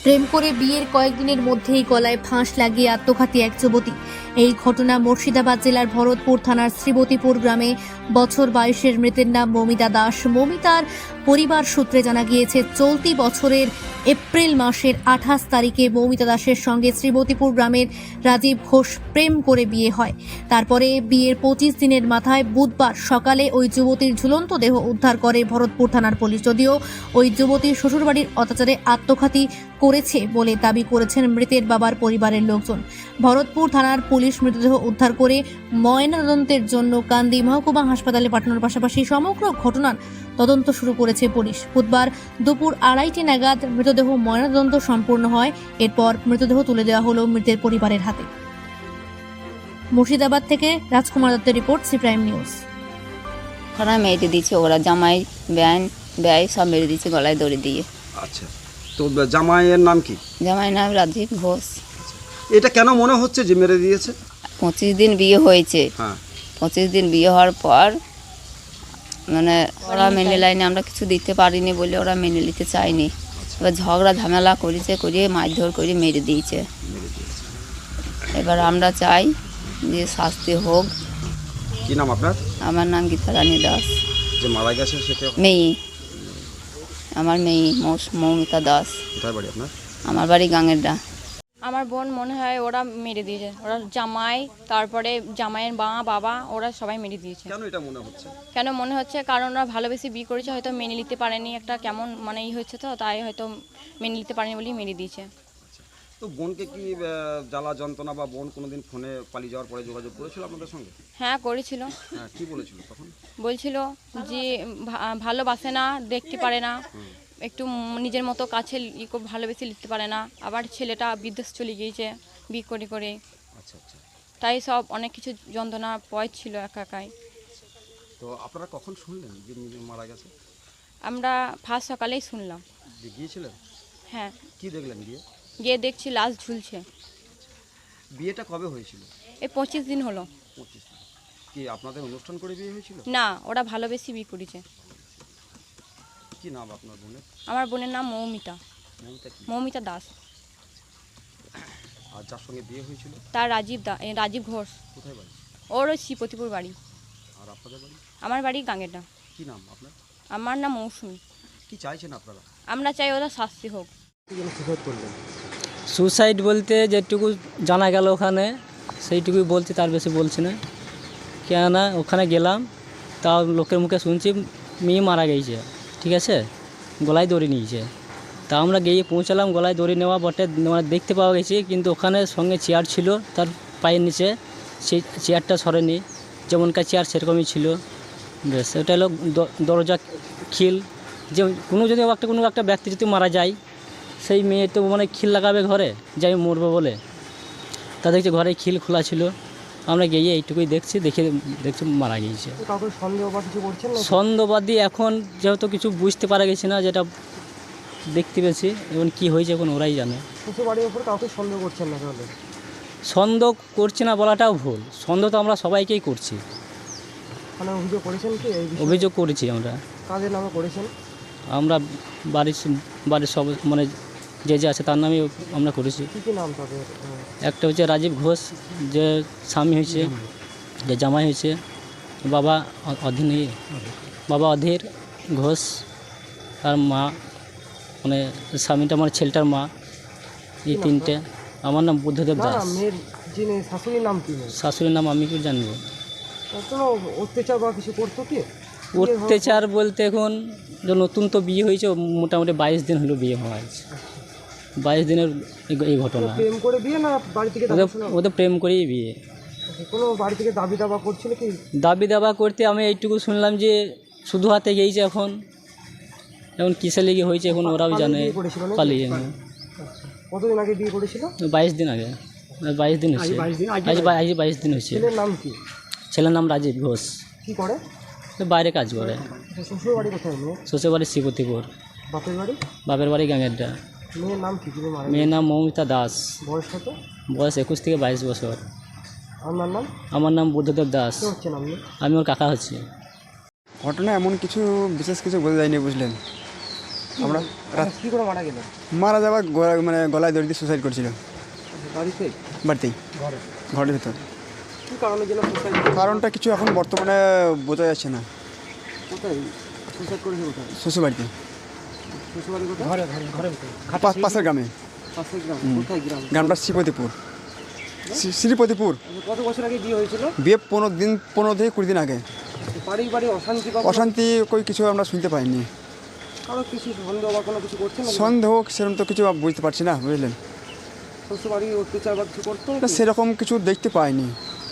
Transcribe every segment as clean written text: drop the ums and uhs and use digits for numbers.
প্রেম করে বিয়ের কয়েকদিনের মধ্যেই গলায় ফাঁস লাগিয়ে আত্মঘাতী এক যুবতী। এই ঘটনা মুর্শিদাবাদ জেলার ভরতপুর থানার শ্রীবতীপুর গ্রামে বছর 22-এর মৃতের নাম মৌমিতা দাস। মৌমিতার পরিবার সূত্রে জানা গিয়েছে, চলতি বছরের এপ্রিল মাসের 28 তারিখে মৌমিতা দাসের সঙ্গে শ্রীবতীপুর গ্রামের রাজীব ঘোষ প্রেম করে বিয়ে হয়। তারপরে বিয়ের 25 দিনের মাথায় বুধবার সকালে ওই যুবতীর ঝুলন্ত দেহ উদ্ধার করে ভরতপুর থানার পুলিশ। যদিও ওই যুবতীর শ্বশুরবাড়ির অত্যাচারে আত্মঘাতী করেছে বলে দাবি করেছেন মৃতের বাবার পরিবারের লোকজন। ভরতপুর থানার পুলিশ মৃতদেহ উদ্ধার করে ময়নাতদন্তের জন্য কান্দি মহকুমা হাসপাতালে পাঠানোর পাশাপাশি সমগ্র ঘটনার তদন্ত শুরু করেছে পুলিশ। বুধবার দুপুর 2:30 নাগাদ মৃতদেহ ময়নাতদন্ত সম্পূর্ণ হয়। এরপর মৃতদেহ তুলে দেওয়া হলো মৃতের পরিবারের হাতে। মুর্শিদাবাদ থেকে রাজকুমার দত্তের রিপোর্ট, সি প্রাইম নিউজ। ওরা মেরে দিয়েছে, ওরা জামাই ব্যয় সব মেরে দিয়েছে গলায় দড়ি দিয়ে। আচ্ছা, তো জামাইয়ের নাম কি? জামাইয়ের নাম রাজীব ঘোষ। এটা কেন মনে হচ্ছে যে মেরে দিয়েছে? 25 দিন বিয়ে হয়েছে। হ্যাঁ, 25 দিন বিয়ে হওয়ার পর মানে ওরা মেনে লাইনে আমরা কিছু দিতে পারিনি বলে ওরা মেনে নিতে চায়নি। এবার ঝগড়া ঝামেলা করেছে, করিয়ে মারধর করে মেরে দিয়েছে। এবার আমরা চাই যে শাস্তি হোক। কি নাম আপনার? আমার নাম গীতা রানী দাস। যে মারা গেছে সেটা মেয়ে, আমার মেয়ে মৌমিতা দাস। কোথায় বাড়ি আপনার? আমার বাড়ি গাঙ্গেরডা। আমার বোন মনে হয় ওরা মেরে দিয়েছে, ওরা জামাই, তারপরে জামাইয়ের বাবা ওরা সবাই মেরে দিয়েছে। কেন এটা মনে হচ্ছে? কেন মনে হচ্ছে? কারণ ওরা ভালোবেসে বিয়ে করেছে, হয়তো মেনে নিতে পারেনি, একটা কেমন মানে হচ্ছে, তো তাই হয়তো মেনে নিতে পারেনি বলেই মেরে দিয়েছে। তো বোনকে কি জ্বালা যন্ত্রণা বা বোন কোনোদিন ফোনে পালিয়ে যাওয়ার পরে যোগাযোগ করেছিল আপনাদের সঙ্গে? হ্যাঁ, করেছিল। হ্যাঁ, কি বলেছিল তখন? বলছিল যে ভালোবাসে না, দেখতে পারে না, একটু নিজের মতো কাছে ভালোবেসে লিখতে পারে না। আবার ছেলেটা বিদেশ চলে গিয়েছে বিয়ে করে করে। আচ্ছা আচ্ছা, তাই সব অনেক কিছু যন্ত্রণা ছিল একা একাই। তো আপনারা কখন শুনলেন যে মারা গেছে? আমরা ফার্স্ট সকালেই শুনলাম। যে গিয়েছিলেন? হ্যাঁ, কি দেখলেন গিয়ে দেখছি লাশ ঝুলছে। বিয়েটা কবে হয়েছিল? এই 25 দিন হলো। 25 দিন। কি আপনাদের অনুষ্ঠান করে বিয়ে হয়েছিল? না, ওরা ভালোবেসে বিয়ে করেছে। কি নাম আপনার বোনের? আমার বোনের নাম মৌমিতা। মৌমিতা কি? মৌমিতা দাস। আর যার সঙ্গে বিয়ে হয়েছিল তার রাজীব ঘোষ। কোথায় বাড়ি? ওর ওই শ্রীপতিপুর বাড়ি। আর আপনাদের বাড়ি? আমার বাড়ি গাঙ্গেরডা। কি নাম আপনার? আমার নাম মৌসুমী। কি চাইছেন আপনারা? আমরা চাই ওরা শাস্তি হোক। সুসাইড বলতে যেটুকু জানা গেল ওখানে সেইটুকুই বলছি, তার বেশি বলছি না। কেননা ওখানে গেলাম, তাও লোকের মুখে শুনছি মেয়ে মারা গেছে, ঠিক আছে, গলায় দড়ি নিয়েছে। তা আমরা গিয়ে পৌঁছালাম, গলায় দড়ি নেওয়া বটে মানে দেখতে পাওয়া গেছে, কিন্তু ওখানে সঙ্গে চেয়ার ছিল তার পায়ের নিচে, সেই চেয়ারটা সরেনি, যেমনকার চেয়ার সেরকমই ছিল। বেশ, ওটা হলো দরজা খিল। যে কোনো একটা ব্যক্তি যদি মারা যায়, সেই মেয়ে তো মানে খিল লাগাবে ঘরে, যে আমি মরবো বলে। তা দেখছি ঘরে খিল খোলা ছিল। আমরা গিয়ে এইটুকুই দেখছি মারা গিয়েছে। সন্দেহবাদী এখন যেহেতু কিছু বুঝতে পারা গেছে না, যেটা দেখতে পেয়েছি, এখন কি হয়েছে এখন ওরাই জানে। সন্দেহ করছি না বলাটাও ভুল, সন্দেহ তো আমরা সবাইকেই করছি। অভিযোগ করেছি আমরা। আমরা বাড়ির সব মানে যে আছে তার নামে আমরা করেছি। একটা হচ্ছে রাজীব ঘোষ, যে স্বামী হয়েছে, যে জামাই হয়েছে, বাবা অধীর ঘোষ, আর মা মানে স্বামীটা মানে ছেলেটার মা। এই তিনটে। আমার নাম বুদ্ধদেব দাস। শাশুড়ির নাম আমি কি জানবো। অত্যাচার বলতে এখন যে নতুন তো বিয়ে হয়েছে, মোটামুটি 22 দিন হলো বিয়ে হওয়া হয়েছে। 22 দিনের এই ঘটনা। ওদের প্রেম করেই বিয়ে। দাবি দাবা করতে আমি এইটুকু শুনলাম যে শুধু হাতে গিয়েছে। এখন কিসে লেগে হয়েছে এখন ওরাও জানে। পালিয়ে কতদিন আগে বিয়ে করেছিল? 22 দিন আগে। 22 দিন হয়েছে। আজ 22 দিন হয়েছে। ছেলের নাম কি? ছেলের নাম রাজীব ঘোষ। কি করে? বাইরে কাজ করে। শ্বশুর বাড়ি কোথায়? শ্বশুর বাড়ি শ্রীপতিপুর। বাপের বাড়ি গাঙ্গেরডা। মেয়ের নাম কি? মেয়ের নাম মৌমিতা দাস। বয়স কত? বয়স 21 থেকে 22 বছর। আমার নাম বুদ্ধদেব দাস। আমি ওর কাকা হচ্ছি। ঘটনা এমন কিছু বিশেষ কিছু বোঝা যায়নি, বুঝলেন। আমরা কী করে মারা গেলেন? মারা যাওয়ার মানে গলায় দড়ি দিয়ে সুসাইড করছিল বাড়িতে? বাড়িতেই, ঘরে? ঘরের ভিতর। কী কারণের জন্য সুসাইড? কারণটা কিছু এখন বর্তমানে বোঝা যাচ্ছে না। কোথায় সুসাইড করেছে? কোথায়? শ্বশুরবাড়িতে, শ্বশুরবাড়ি কোথায়? ঘরে ঘরে ঘরে পাশের গ্রামে। পাশের গ্রাম? কোথায় গ্রাম? গ্রামটা শ্রীপতিপুর। শ্রীপতিপুর। কত বছর আগে বিয়ে হয়েছিল? বিয়ে 15 থেকে 20 দিন আগে। পারিবারিক অশান্তি বা অশান্তি কই কিছু আমরা শুনতে পাইনি। কারো কিছু সন্দেহ বা কোনো কিছু করছেন? সন্দেহ সেরকম তো কিছু বুঝতে পারছি না, বুঝলেন। শ্বশুরবাড়ি অত্যাচার বা কিছু করতো? না, সেরকম কিছু দেখতে পাইনি।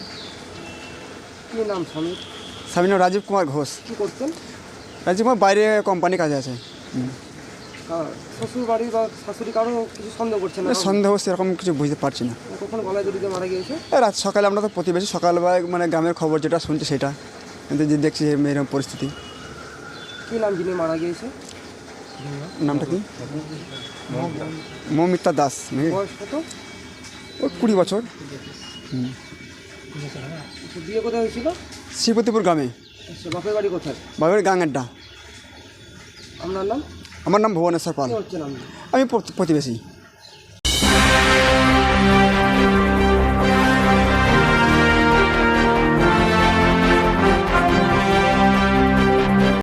কী নাম স্বামীর? স্বামীর নাম রাজীব কুমার ঘোষ। কী করতেন? রাজীব কুমার বাইরে কোম্পানি কাজে আছে। শ্বশুরবাড়ি বা শাশুড়ি কারো কিছু সন্দেহ করছেন না? সন্দেহ সেরকম কিছু বুঝতে পারছি না। কখন গলায় দড়িতে মারা গিয়েছে? রাত সকালে আমরা তো প্রতিবেশী, সকালবেলা মানে গ্রামের খবর যেটা শুনছি সেটা, কিন্তু যে দেখছি এরকম পরিস্থিতি। কী নাম যিনি মারা গিয়েছে? নামটা কি? মৌমিতা দাস। বয়স কত? ওই 20 বছর। বিয়ে কোথায় হয়েছিল? শ্রীপতিপুর গ্রামে। বাপের বাড়ি কোথায়? বাবার গাঙেরটা। আপনার নাম? আমার নাম ভুবনেশ্বর পাল। কী হচ্ছেন আপনি? আমি প্রতিবেশী।